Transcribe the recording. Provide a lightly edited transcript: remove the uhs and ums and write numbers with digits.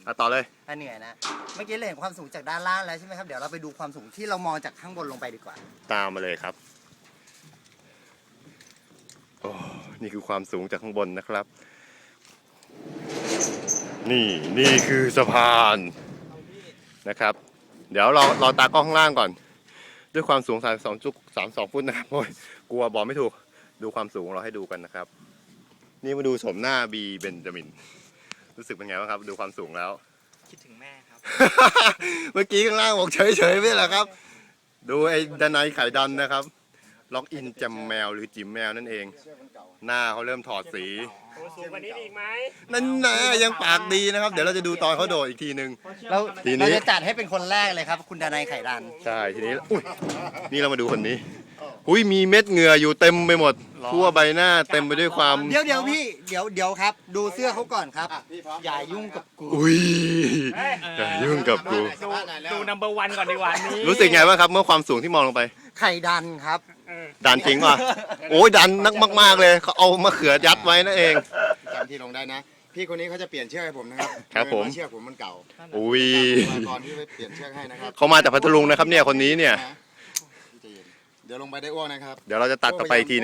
ต่อเลยเหนื่อยนะเมื่อกี้เราเห็นความสูงจากด้านล่างแล้วใช่ไหมครับเดี๋ยวเราไปดูความสูงที่เรามองจากข้างบนลงไปดีกว่าตามมาเลยครับโอ้นี่คือความสูงจากข้างบนนะครับ นี่คือสะพานนะครับเดี๋ยวเราตากล้องข้างล่างก่อนด้วยความสูง32.32 ฟุตนะครับโอ้ยกลัวบอกไม่ถูกดูความสูงเราให้ดูกันนะครับนี่มาดูโฉมหน้าบีเบนจามินรู้สึกเป็นไงบ้างครับดูความสูงแล้วคิดถึงแม่ครับเมื่อกี้ข้างล่างบอกเฉยๆไม่เหรอครับดูไอ้ดนัยไข่ดันนะครับล็อกอินจำแมวหรือจิ๋มแมวนั่นเองหน้าเขาเริ่มถอดสีสูงกว่านี้อีกไหมนั่นนะยังปากดีนะครับเดี๋ยวเราจะดูตอนเขาโดดอีกทีนึงเราจะจัดให้เป็นคนแรกเลยครับคุณดนัยไข่ดันใช่ทีนี้อุ้ยนี่เรามาดูคนนี้อุ้ยมีเม็ดเหงื่ออยู่เต็มไปหมดทั่วใบหน้าเต็มไปด้วยความเดี๋ยวพี่เดี๋ยวครับดูเสื้อเขาก่อนครับอย่ายุ่งกับกูอุ้ยอย่ายุ่งกับกูดูนัมเบอร์วันก่อนดีกว่านี้รู้สึกไงบ้างครับเมื่อความสูงที่มองลงไปไข่ดันครับดันจริงป่ะโอ้ยดันนักมากๆเลยเขาเอามะเขือยัดไว้นั่นเองจำที่ลงได้นะพี่คนนี้เขาจะเปลี่ยนเชือกให้ผมนะครับครับผมเชือกผมมันเก่าอุ้ยก่อนที่ไปเปลี่ยนเชือกให้นะครับเขามาจากพัทลุงนะครับเนี่ยคนนี้เนี่ยเดี๋ยวลงไปได้อ้วกนะครับเดี๋ยวเราจะตัดต่อไปอีกที